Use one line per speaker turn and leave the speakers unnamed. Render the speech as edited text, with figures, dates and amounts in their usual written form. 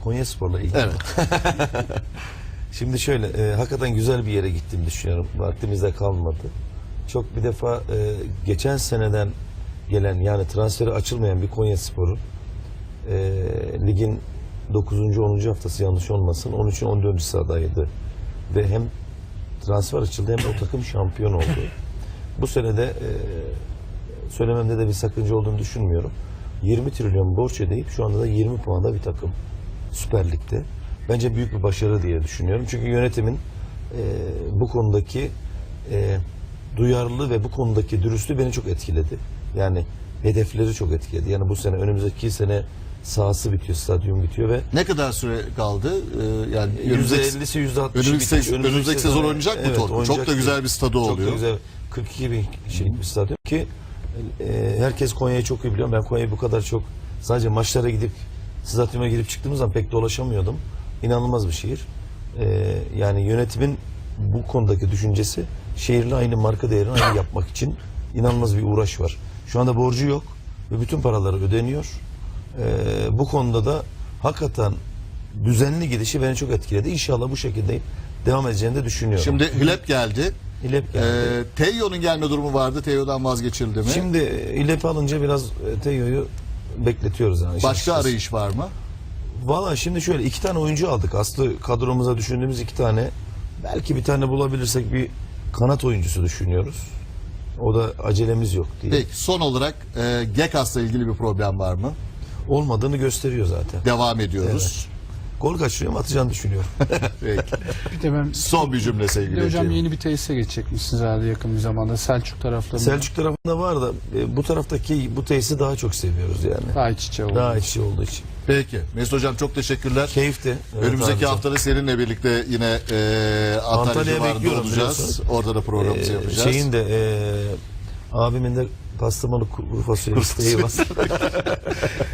Konyaspor'la ilgili.
Evet.
Şimdi şöyle, hakikaten güzel bir yere gittiğimi düşünüyorum. Vaktimizde kalmadı. Çok bir defa geçen seneden gelen, yani transferi açılmayan bir Konyaspor'un ligin 9. 10. haftası yanlış olmasın 13. 14. sıradaydı. Ve hem transfer açıldı hem de o takım şampiyon oldu. Bu senede söylememde de bir sakınca olduğunu düşünmüyorum. 20 trilyon borç ödeyip şu anda da 20 puanda bir takım Süper Lig'de. Bence büyük bir başarı diye düşünüyorum. Çünkü yönetimin bu konudaki duyarlılığı ve bu konudaki dürüstlüğü beni çok etkiledi. Yani hedefleri çok etkiledi. Yani bu sene, önümüzdeki sene sahası bitiyor, stadyum bitiyor ve
Ne kadar süre kaldı? Yani
%50'si %60'ı
önümüzdeki sezon oynayacak mı
evet,
Torku? Çok da güzel bir stadı oluyor.
Çok da güzel. 42 bin kişilik bir stadyum ki herkes Konya'yı çok iyi biliyor. Ben Konya'yı bu kadar çok sadece maçlara gidip stadyuma girip çıktığımız zaman pek dolaşamıyordum. İnanılmaz bir şehir. Yani yönetimin bu konudaki düşüncesi şehirle aynı marka değerini aynı yapmak için inanılmaz bir uğraş var. Şu anda borcu yok ve bütün paraları ödeniyor. Bu konuda da hakikaten düzenli gidişi beni çok etkiledi. İnşallah bu şekilde devam edeceğini de düşünüyorum.
Şimdi Hilep geldi.
İlep geldi.
Teyo'nun gelme durumu vardı. Teyo'dan vazgeçildi mi?
Şimdi İlep'i alınca biraz Teyo'yu bekletiyoruz. Yani.
Başka arayış var mı?
Valla şimdi şöyle 2 tane oyuncu aldık. Aslı kadromuza düşündüğümüz 2 tane. Belki bir tane bulabilirsek bir kanat oyuncusu düşünüyoruz. O da acelemiz yok diye.
Peki son olarak Gekas'la ilgili bir problem var mı?
Olmadığını gösteriyor zaten.
Devam ediyoruz.
Gol kaçırıyorum, atacağını düşünüyorum.
Peki.
Bir de ben
Son bir cümle
bir
sevgili
de hocam
Ece'm.
yeni bir tesise geçecekmişsiniz herhalde yakın bir zamanda. Selçuk taraflarında.
Selçuk tarafında var da bu taraftaki bu tesisi daha çok seviyoruz yani.
Daha iç içe oldu.
Daha içi olduğu için.
Peki. Mesut Hocam çok teşekkürler.
Keyifti. Evet,
Önümüzdeki
abicim.
hafta da seninle birlikte yine Antalya
Antalya'ya
civarında
bekliyorum
olacağız.
biliyorsun.
Orada da programımızı yapacağız.
Şeyin de abimin de pastırmalı kuru fasulye isteği var.